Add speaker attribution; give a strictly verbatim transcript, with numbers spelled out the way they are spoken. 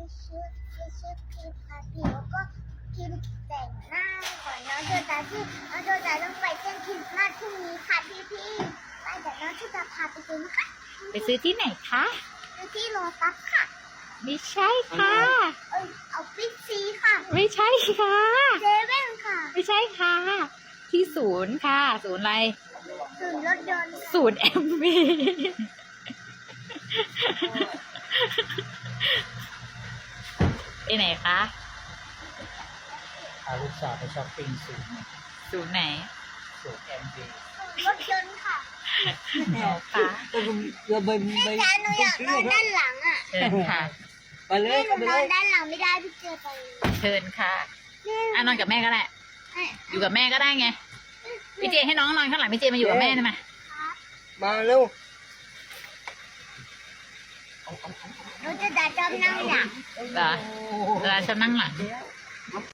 Speaker 1: ชุดไปชุดครีมทาผิวก็ครีมแต่งหน้าก่อนน้องโจตาที่น้องโจตาต้องไปเต้นคริสต์มาสพรุ่งนี้ค่ะพี่พี่ๆไปเดี๋ยวน้องโจตาพาไปดูนะคะ
Speaker 2: ไปซื้อที่ไหนคะ
Speaker 1: ดูที่โลตัสค่ะ
Speaker 2: ไม่ใช่ค่ะ
Speaker 1: เอ้ยเอาปิ๊กซีค่ะ
Speaker 2: ไม่ใช่ค่ะ
Speaker 1: เซเว่นค่ะ
Speaker 2: ไม่ใช่ค่ะ ที่ศูนย์ค่ะ ศูนย์อะไร
Speaker 1: ศูนย์รถยนต์ค่ะ
Speaker 2: ศูนย์แอมวี ไปไหนคะ
Speaker 3: พาลูกสาวไปช้อปปิ้งศูนย์
Speaker 2: ศูนย์ไหน
Speaker 3: ศูนย์แอมบี
Speaker 1: ศูนย์รถยนต์ค่ะ
Speaker 2: อ๋อค่ะ
Speaker 3: เราไปไป
Speaker 1: แม่จ๋าหนูอยากนอนด้านหลังอ่ะ
Speaker 2: เชิญค่ะ
Speaker 3: ไปเล
Speaker 1: แม่
Speaker 3: ย
Speaker 1: หนู
Speaker 3: ไป
Speaker 1: น
Speaker 3: เล
Speaker 1: อน
Speaker 3: ย
Speaker 1: ด้านหลังไม่ได้พี่เจอไป
Speaker 2: เชิญค่ะ
Speaker 1: แม่
Speaker 2: อ่ะนอนกับแม่ก็ได้
Speaker 1: เอ้ย
Speaker 2: อยู่กับแม่ก็ได้ไง พี่เจให้น้องนอนข้างหลังพี่เจมาอยู่กับแม่ได้ไหม
Speaker 1: ครับ
Speaker 3: มาเร็ว
Speaker 1: หนูจะดัดจอมนั่งหลัง
Speaker 2: เหรอเวลาฉันนั่งหลัง